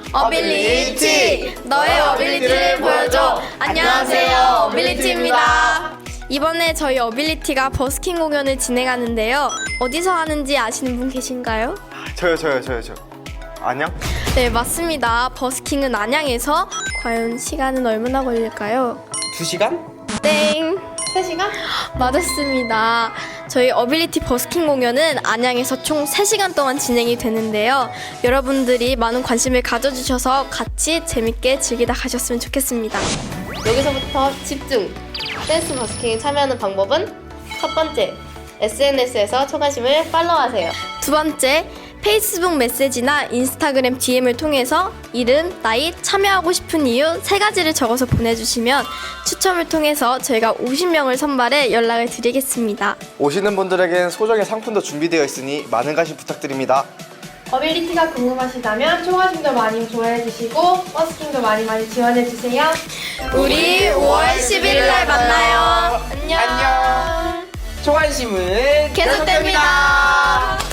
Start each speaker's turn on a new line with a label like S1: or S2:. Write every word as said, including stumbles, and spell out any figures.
S1: 어빌리티! 너의 어빌리티를 보여줘! 안녕하세요, 어빌리티입니다. 이번에 저희 어빌리티가 버스킹 공연을 진행하는데요. 어디서 하는지 아시는 분 계신가요?
S2: 저요 저요 저요 저 안녕?
S1: 네, 맞습니다. 버스킹은 안양에서. 과연 시간은 얼마나 걸릴까요?
S3: 두 시간?
S1: 땡! 세 시간? 맞았습니다. 저희 어빌리티 버스킹 공연은 안양에서 총 세 시간 동안 진행이 되는데요. 여러분들이 많은 관심을 가져주셔서 같이 재밌게 즐기다 가셨으면 좋겠습니다.
S4: 여기서부터 집중! 댄스 버스킹에 참여하는 방법은 첫 번째, 에스엔에스에서 초관심을 팔로우하세요.
S1: 두 번째, 페이스북 메시지나 인스타그램 디엠을 통해서 이름, 나이, 참여하고 싶은 이유 세 가지를 적어서 보내주시면 추첨을 통해서 저희가 오십 명을 선발해 연락을 드리겠습니다.
S2: 오시는 분들에겐 소정의 상품도 준비되어 있으니 많은 관심 부탁드립니다.
S5: 어빌리티가 궁금하시다면 초과심도 많이 좋아해주시고 버스킹도 많이 많이 지원해주세요.
S1: 우리 오월 십일일 날 만나요. 안녕.
S3: 안녕. 초관심은
S1: 계속됩니다.